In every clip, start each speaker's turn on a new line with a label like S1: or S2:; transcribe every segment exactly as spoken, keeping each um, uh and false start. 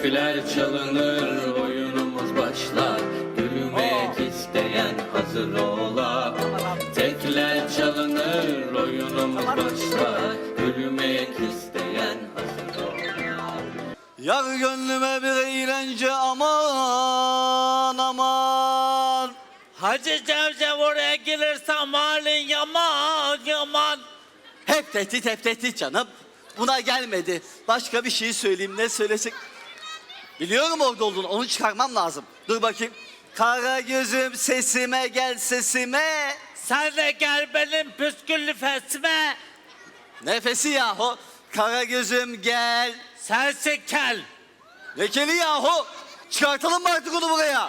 S1: Tekler çalınır, oyunumuz başlar. Yürümek isteyen hazır ola. Tekler çalınır, oyunumuz başlar. Yürümek isteyen hazır ola.
S2: Yar gönlüme bir eğlence aman aman.
S3: Hacı Cevcev oraya gelirse halin yaman yaman.
S2: Hep tehdit hep tehdit canım. Buna gelmedi. Başka bir şey söyleyeyim, ne söylesek. Biliyorum orada olduğunu, onu çıkarmam lazım. Dur bakayım. Kara gözüm sesime gel sesime.
S3: Sen de gel benim püsküllü fesime.
S2: Nefesi yahu. Kara gözüm gel.
S3: Sensin kel.
S2: Lekeli yahu. Çıkartalım mı artık onu buraya?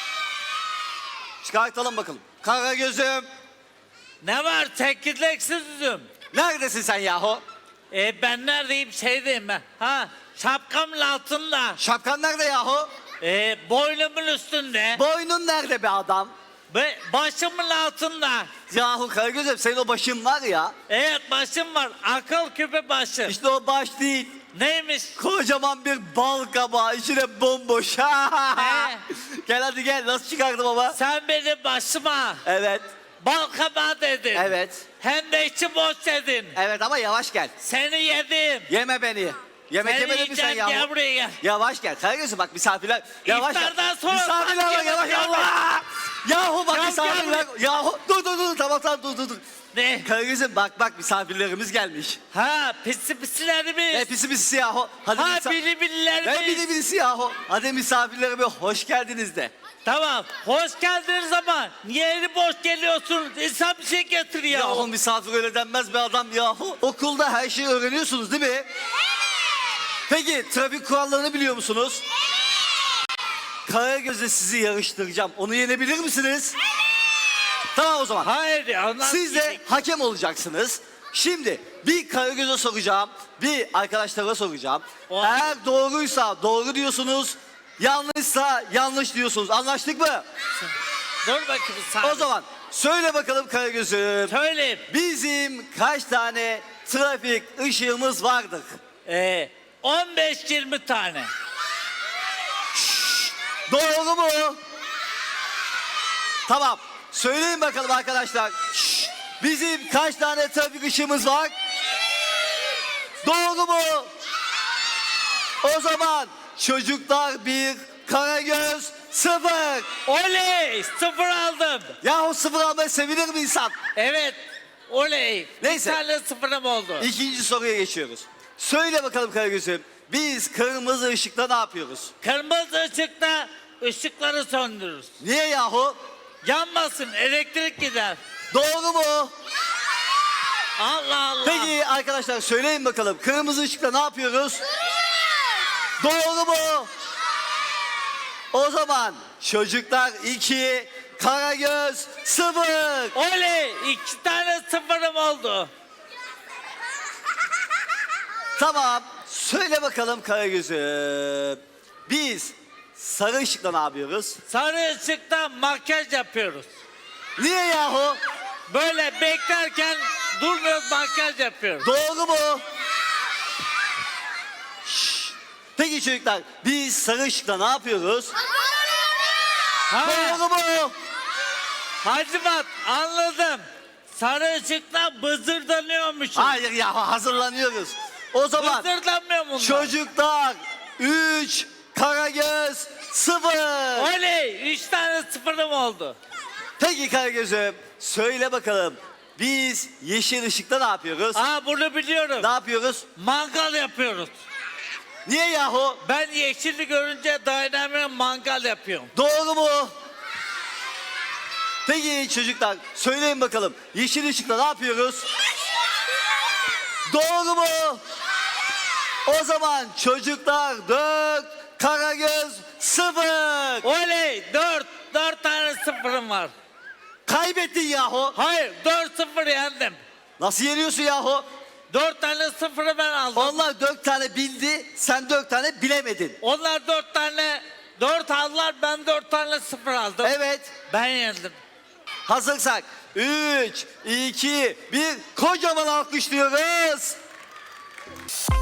S2: Çıkartalım bakalım. Kara gözüm.
S3: Ne var çekirdeksizim.
S2: Neredesin sen yahu?
S3: E ben neredeyim şeydeyim ben. Ha şapkamın altında.
S2: Şapkan nerede yahu?
S3: E boynumun üstünde.
S2: Boynun nerede be adam?
S3: Ve başımın altında.
S2: Yahu Karagöz'üm, senin o başın var ya.
S3: Evet başım var. Akıl küpü başı.
S2: İşte o baş değil.
S3: Neymiş?
S2: Kocaman bir bal kabağı, içine bomboş.
S3: He.
S2: Gel hadi gel, nasıl çıkardım ama?
S3: Sen benim başıma
S2: Evet,
S3: bal kabağı dedin.
S2: evet,
S3: Hem de içi boş dedin.
S2: evet ama yavaş gel.
S3: Seni yedim.
S2: Yeme beni. Yemek
S3: Seni
S2: yemedin mi sen
S3: yiyeceğim,
S2: yahu?
S3: gel buraya gel.
S2: Yavaş gel Karagöz'üm, bak misafirler. Yavaş gel.
S3: İftardan sonra
S2: Misafirler var,
S3: sanki
S2: yavaş
S3: yemek
S2: yavaş. Yahu bak
S3: Gel,
S2: misafirler.
S3: gel.
S2: Yahu dur dur dur, tamam tamam dur dur dur.
S3: Ne?
S2: Karagöz'üm bak bak, misafirlerimiz gelmiş.
S3: Ha pisi pisilerimiz.
S2: Ne pisi pisi yahu. Hadi
S3: Ha
S2: misa-
S3: bili bililerimiz.
S2: Ne bili bilisi yahu. Hadi misafirlerime hoş geldiniz de.
S3: Tamam. Hoş geldiniz ama niye eli boş geliyorsunuz? İnsan bir şey getir ya.
S2: Yahu misafir öyle denmez be adam yahu. Okulda her şeyi öğreniyorsunuz değil mi? Evet. Peki trafik kurallarını biliyor musunuz? Evet. Karagöz'le sizi yarıştıracağım. Onu yenebilir misiniz? Evet. Tamam o zaman.
S3: Hayır ya. onlar
S2: Siz de
S3: yedik.
S2: hakem olacaksınız. Şimdi bir Karagöz'e soracağım, bir arkadaşlara soracağım.
S3: O-
S2: Eğer doğruysa doğru diyorsunuz, yanlışsa yanlış diyorsunuz. Anlaştık mı?
S3: Dur bakayım sen.
S2: O zaman söyle bakalım Karagöz'üm.
S3: Söyleyeyim.
S2: Bizim kaç tane trafik ışığımız vardır?
S3: Ee, on beş yirmi tane.
S2: Doğru mu? Tamam. Söyleyin bakalım arkadaşlar. Şşş. Bizim kaç tane trafik ışığımız var? Doğru mu? O zaman çocuklar bir, Karagöz sıfır.
S3: Oley! Sıfır aldım.
S2: Yahu sıfır almaya sevinir mi insan?
S3: Evet. Oley.
S2: Neyse.
S3: Bir tane sıfırım oldu.
S2: İkinci soruya geçiyoruz. Söyle bakalım Karagöz'üm. Biz kırmızı ışıkta ne yapıyoruz?
S3: Kırmızı ışıkta ışıkları söndürürüz.
S2: Niye yahu?
S3: Yanmasın, elektrik gider.
S2: Doğru mu?
S3: Allah Allah.
S2: Peki arkadaşlar söyleyin bakalım. Kırmızı ışıkta ne yapıyoruz? Doğru mu? O zaman çocuklar iki, Karagöz sıfır.
S3: Oley! İki tane sıfırım oldu.
S2: Tamam. Söyle bakalım Karagöz'üm. Biz sarı ışıkta ne yapıyoruz?
S3: Sarı ışıkta makyaj yapıyoruz.
S2: Niye yahu?
S3: Böyle beklerken durmuyoruz, makyaj yapıyoruz.
S2: Doğru mu? Şşş. Peki çocuklar, biz sarı ışıkta ne yapıyoruz?
S3: Ha,
S2: Doğru mu?
S3: Hacivat anladım. Sarı ışıkta bızırdanıyormuşuz.
S2: Hayır ya, hazırlanıyoruz. O zaman
S3: Bızırdanmıyor bunlar.
S2: çocuklar üç, Karagöz sıfır.
S3: Oley! Üç tane sıfırım oldu.
S2: Peki Karagöz'üm, söyle bakalım. Biz yeşil ışıkta ne yapıyoruz?
S3: Aa bunu biliyorum.
S2: Ne yapıyoruz?
S3: Mangal yapıyoruz.
S2: Niye yahu?
S3: Ben yeşilli görünce dayanamıyorum, mangal yapıyorum.
S2: Doğru mu? Peki çocuklar, söyleyin bakalım. Yeşil ışıkta ne yapıyoruz? Doğru mu? O zaman çocuklar dört, Karagöz sıfır.
S3: Oley! Dört. Dört tane sıfırım var.
S2: Kaybettin yahu.
S3: Hayır, dört sıfır yendim.
S2: Nasıl yeniyorsun yahu?
S3: Dört tane sıfırı ben aldım.
S2: Onlar dört tane bildi, sen dört tane bilemedin.
S3: Onlar dört tane, dört aldılar, ben dört tane sıfır aldım.
S2: Evet.
S3: Ben yendim.
S2: Hazırsak üç, iki, bir, kocaman alkışlıyoruz.